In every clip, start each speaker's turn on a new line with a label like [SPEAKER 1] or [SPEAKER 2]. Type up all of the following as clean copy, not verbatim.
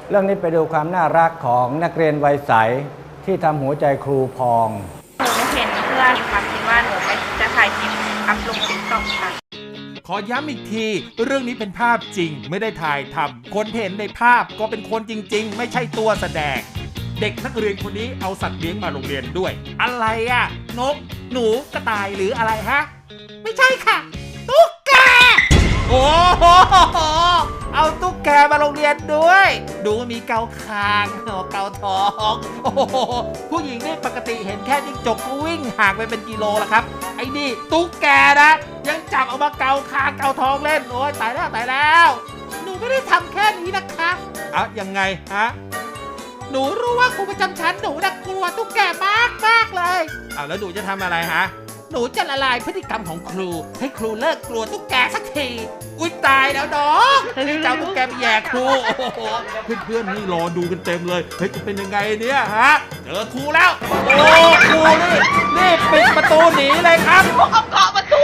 [SPEAKER 1] เรื่องนี้ไปดูความน่ารักของนักเรียนวัยใสที่ทำหัวใจครูพอง
[SPEAKER 2] หนูเห็นเพื่อนค่ะคิดว่าหนูจะถ่ายคลิปอัพลงติ๊กต็อกค่ะ
[SPEAKER 3] ขอย้ำอีกทีเรื่องนี้เป็นภาพจริงไม่ได้ถ่ายทำคนเห็นในภาพก็เป็นคนจริงๆไม่ใช่ตัวแสดงเด็กนักเรียนคนนี้เอาสัตว์เลี้ยงมาโรงเรียนด้วยอะไรอะนกหนูกระต่ายหรืออะไรฮะไม่ใช่ค่ะตุ๊กแกโอ้โหเอาตุ๊กแกมาโรงเรียนด้วยดูมีเกาคางเกาท้องโอ้โหผู้หญิงนี่ปกติเห็นแค่จิ้งจกก็วิ่งห่างไปเป็นกิโลแล้วครับไอ้นี่ตุ๊กแกนะยังจับเอามาเกาคางเกาท้องเล่นโอ้ยตายแล้วหนูไม่ได้ทำแค่นี้นะคะยังไงฮะหนูรู้ว่าครูประจำชั้นหนูน่ากลัวตุ๊กแกมากเลยแล้วหนูจะทำอะไรฮะหนูจะละลายพฤติกรรมของครูให้ครูเลิกกลัวตุ๊กแกสักทีอุ๊ยตายแล้วน้องเจ้าตุ๊กแกไปแย่ครูโอ้โหเพื่อนๆนี่รอดูกันเต็มเลยเฮ้ยจะเป็นยังไงเนี่ยฮะเจอครูแล้วโอ้ครูนี่ปิดประตูหนีเลยครับ
[SPEAKER 4] พวกเอาเกาะประตู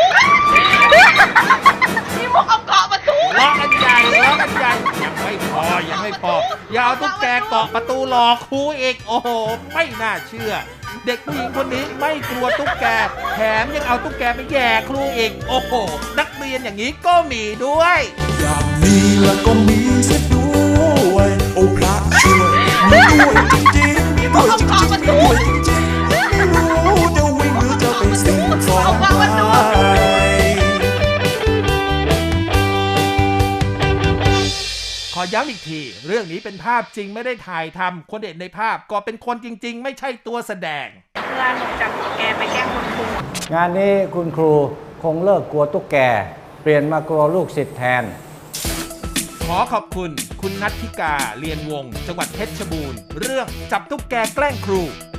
[SPEAKER 4] นี่พวกเอาเกาะประตู
[SPEAKER 3] ล้อกันใหญ่ยังไม่พออย่าเอาตุ๊กแกเกาะประตูหลอกครูอีกโอ้โหไม่น่าเชื่อเด็กผู้หญิงคนนี้ไม่กลัวตุ๊กแกแถมยังเอาตุ๊กแกไปแย่ครูอีกโอ้โหนักเรียนอย่างนี้ก็มีด้วย
[SPEAKER 5] อย่างนี้แล้วก็มีเสียด้วยโอ้พระช่วยมีด้วยจริงๆมีด้วยจริงๆมีด้วยจริงๆไม่รู้จะวิ่งหรือจะไปสิ่งของใคร
[SPEAKER 3] ขอย้ำอีกทีเรื่องนี้เป็นภาพจริงไม่ได้ถ่ายทำคนเห็นในภาพก็เป็นคนจริงๆไม่ใช่ตัวแสดง
[SPEAKER 2] เพื่อนหนูจับตุ๊กแกไปแกล้งคุณครู
[SPEAKER 1] งานนี้คุณครูคงเลิกกลัวตุ๊กแกเปลี่ยนมากลัวลูกศิษย์แทน
[SPEAKER 3] ขอขอบคุณคุณนัทธิกาเรียนวงศ์จังหวัดเพชรบูรณ์เรื่องจับตุ๊กแกแกล้งครู